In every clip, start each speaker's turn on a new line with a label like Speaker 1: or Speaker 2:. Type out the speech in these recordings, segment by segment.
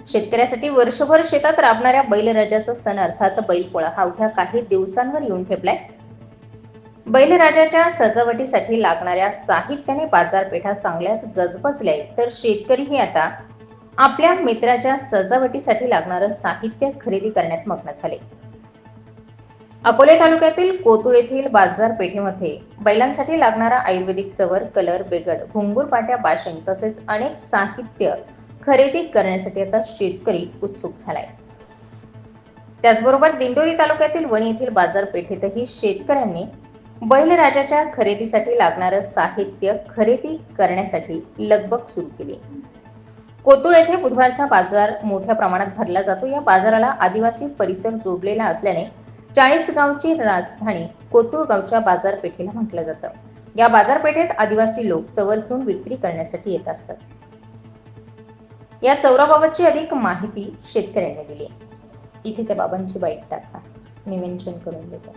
Speaker 1: शेतकऱ्यासाठी वर्षभर शेतात राबणाऱ्या बैलराजाचा सण अर्थात बैलपोळा हा अवघ्या काही दिवसांवर येऊन ठेपलाय. बैलराजाच्या सजावटीसाठी लागणाऱ्या साहित्याने बाजारपेठा चांगल्याच गजबजल्या, तर शेतकरीही आता आपल्या मित्राच्या सजावटीसाठी लागणारं साहित्य खरेदी करण्यात मग्न झाले. अकोले तालुक्यातील कोतुळ येथील बाजारपेठेमध्ये बैलांसाठी लागणारा आयुर्वेदिक चवर, कलर, बेगड, घुंगूर, पाट्या, बाशिंग तसेच अनेक साहित्य खरेदी करण्यासाठी आता शेतकरी उत्सुक झालाय. त्याचबरोबर दिंडोरी तालुक्यातील वणी येथील बाजारपेठेतही शेतकऱ्यांनी बैलराजाच्या खरेदीसाठी लागणारं साहित्य खरेदी करण्यासाठी लगबग सुरू केली. कोतुळ येथे बुधवारचा बाजार मोठ्या प्रमाणात भरला जातो. या बाजाराला आदिवासी परिसर जोडलेला असल्याने 40 गावची राजधानी कोतुळ गावच्या बाजारपेठेला म्हटलं जातं. या बाजारपेठेत आदिवासी लोक चवर घेऊन विक्री करण्यासाठी येत असतात. या चौराबाबतची अधिक माहिती शेतकऱ्यांनी दिली. इथे त्या बाबांची बाईट टाका, मी मेन्शन करून देतो.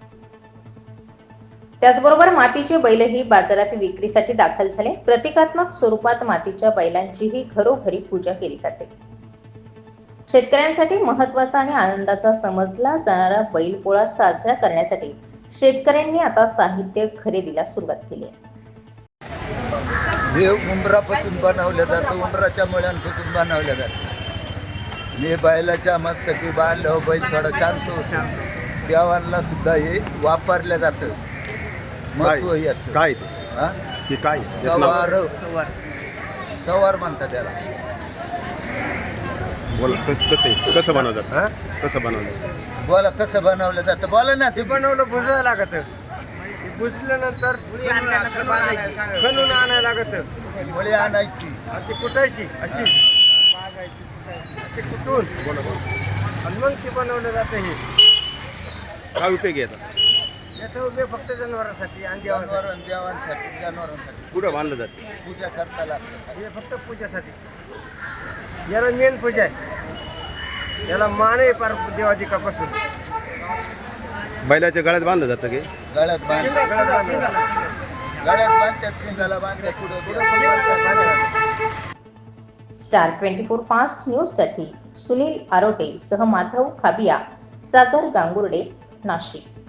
Speaker 1: त्याचबरोबर मातीचे बैलही बाजारात विक्रीसाठी दाखल झाले. प्रतिकात्मक स्वरूपात मातीच्या बैलांचीही घरोघरी पूजा केली जाते. शेतकऱ्यांसाठी महत्त्वाचा आणि आनंदाचा समजला जाणारा बैलपोळा साजरा करण्यासाठी शेतकऱ्यांनी आता साहित्य खरेदीला सुरुवात केली आहे.
Speaker 2: हे उंबरापासून बनवलं जातं, उंबराच्या मुळ्यांपासून बनवलं जातं. मी बैलाच्या मस्तकी बांधलं, बैल थोडा शांत होतो. देवांना सुद्धा हे वापरलं जातं. महत्व याचं
Speaker 3: काय
Speaker 2: ते
Speaker 3: काय
Speaker 2: चवार म्हणतात त्याला.
Speaker 3: बोला कसं बनवतात, कसं बनवलं
Speaker 2: बोला कसं बनवलं जातं, बोला ना.
Speaker 4: ते बनवलं भुजायला लागतं. भुजल्यानंतर खणून आणायला लागतं.
Speaker 2: मुळी आणायची
Speaker 4: आणि ती कुटायची अशी कुटून आणि मग ती बनवलं जातं. हे
Speaker 3: काय उपयोग येतात?
Speaker 4: याचा उपयोग फक्त जनावरांसाठी आणि देवासाठी.
Speaker 2: जनावरांसाठी
Speaker 3: कुठं बांधलं जातं?
Speaker 2: पूजा करता लागतं.
Speaker 4: हे फक्त पूजासाठी. याला मेन पूजा आहे. याला मान आहे पार देवाधिकापासून.
Speaker 3: बैलाच्या गळ्यात बांधलं जातं की
Speaker 2: गळ्यात बांधतात, शिंगाला बांधतात,
Speaker 1: स्टार 24 फास्ट न्यूज साठी सुनील आरोटे सह माधव खाबिया, सागर गांगुर्डे, नाशिक.